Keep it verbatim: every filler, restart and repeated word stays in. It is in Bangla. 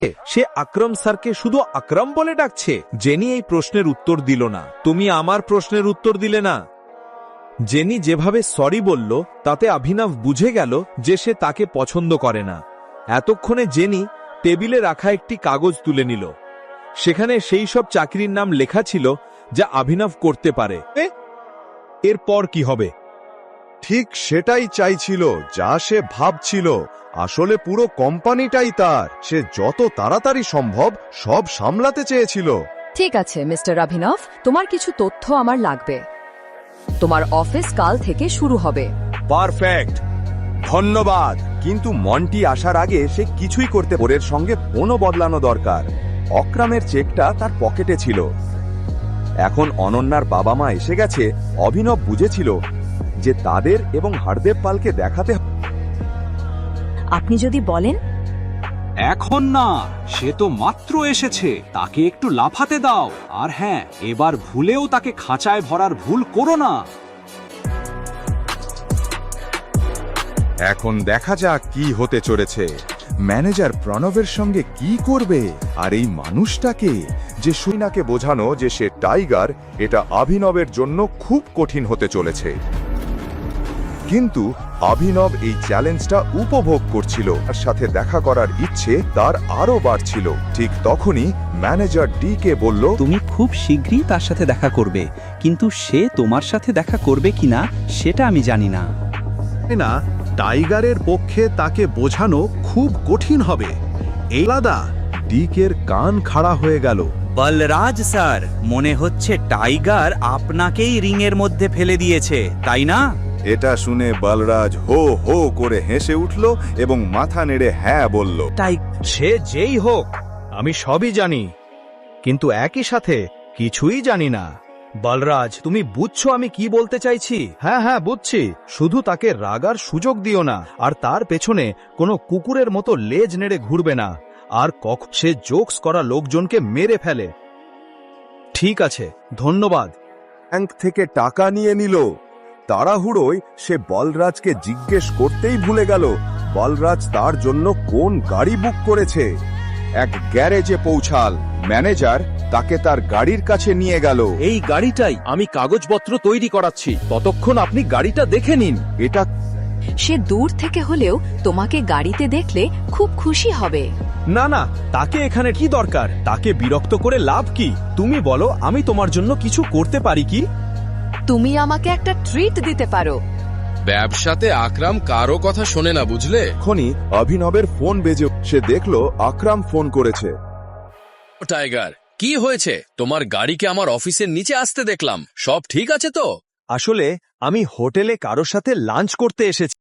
সে আকরম স্যারকে শুধু আকরম বলে ডাকছে। জেনি এই প্রশ্নের উত্তর দিল না। তুমি আমার প্রশ্নের উত্তর দিলে না। জেনি যেভাবে সরি বলল তাতে অভিনব বুঝে গেল যে সে তাকে পছন্দ করে না। এতক্ষণে জেনি টেবিলে রাখা একটি কাগজ তুলে নিল। সেখানে সেই সব চাকরির নাম লেখা ছিল যা অভিনব করতে পারে। এরপর কি হবে? ঠিক সেটাই চাইছিল যা সে ভাবছিল। আসলে পুরো কোম্পানিটাই তার। সে যত তাড়াতাড়ি সম্ভব সব সামলাতে চেয়েছিল। ঠিক আছে মিস্টার অভিনব, তোমার কিছু তথ্য আমার লাগবে। তোমার অফিস কাল থেকে শুরু হবে। পারফেক্ট, ধন্যবাদ। কিন্তু মন্টি আসার আগে সে কিছুই করতে ওরের সঙ্গে ফোনও বদলানো দরকার। অক্রামের চেকটা তার পকেটে ছিল। এখন অনন্যার বাবা মা এসে গেছে। অভিনব বুঝেছিল যে তাদের এবং হরদেব পালকে দেখাতে। আপনি যদি বলেন। এখন না, সে তো মাত্র এসেছে, তাকে একটু লাফাতে দাও। আর হ্যাঁ, এবার ভুলেও তাকে খাঁচায় ভরার ভুল করো না। এখন দেখা যাক কি হতে চলেছে। ম্যানেজার প্রণবের সঙ্গে কি করবে। আর এই মানুষটাকে যে সুইনাকে বোঝানো যে সে টাইগার, এটা অভিনবের জন্য খুব কঠিন হতে চলেছে। কিন্তু অভিনব এই চ্যালেঞ্জটা উপভোগ করছিল। তার সাথে দেখা করার ইচ্ছে তার আরো বাড়ছিল। ঠিক তখনই ম্যানেজার ডি কে বলল, তুমি খুব শীঘ্রই তার সাথে দেখা করবে, কিন্তু সে তোমার সাথে দেখা করবে কিনা সেটা আমি জানি না। না, টাইগারের পক্ষে তাকে বোঝানো খুব কঠিন হবে। এই আলাদা। ডিকের কান খাড়া হয়ে গেল। বলরাজ স্যার, মনে হচ্ছে টাইগার আপনাকেই রিংয়ের মধ্যে ফেলে দিয়েছে, তাই না? এটা শুনে বলরাজ হো হো করে হেসে উঠল এবং মাথা নেড়ে হ্যাঁ বলল। তাই সে যেই হোক, আমি সবই জানি, কিন্তু একই সাথে কিছুই জানি না। বলরাজ, তুমি বুঝছো আমি কি বলতে চাইছি? হ্যাঁ হ্যাঁ বুঝছি। শুধু তাকে রাগার সুযোগ দিও না, আর তার পেছনে কোনো কুকুরের মতো লেজ নেড়ে ঘুরবে না। আর কখন সে জোকস করা লোকজনকে মেরে ফেলে। ঠিক আছে, ধন্যবাদ। ব্যাংক থেকে টাকা নিয়ে নিল। তাড়াহুড়োয় সে বলরাজকে জিজ্ঞেস করতেই ভুলে গেল বলরাজ তার জন্য কোন গাড়ি বুক করেছে। এক গ্যারেজে পৌঁছাল। ম্যানেজার তাকে তার গাড়ির কাছে নিয়ে গেল। এই গাড়িটাই আমি কাগজপত্র তৈরি করাচ্ছি, ততক্ষণ আপনি গাড়িটা দেখে নিন। এটা সে দূর থেকে হলেও তোমাকে গাড়িতে দেখলে খুব খুশি হবে। না না, তাকে এখানে কি দরকার? তাকে বিরক্ত করে লাভ কি? তুমি বলো, আমি তোমার জন্য কিছু করতে পারি কি? তুমি আমাকে একটা ট্রিট দিতে পারো। ব্যবসাতে আকরাম কারো কথা শোনে না, বুঝলে? এখনই অভিনবের ফোন বেজে সে দেখল আকরাম ফোন করেছে। টাইগার, কি হয়েছে? তোমার গাড়িকে আমার অফিসের নিচে আসতে দেখলাম। সব ঠিক আছে তো? আসলে আমি হোটেলে কারোর সাথে লাঞ্চ করতে এসেছি।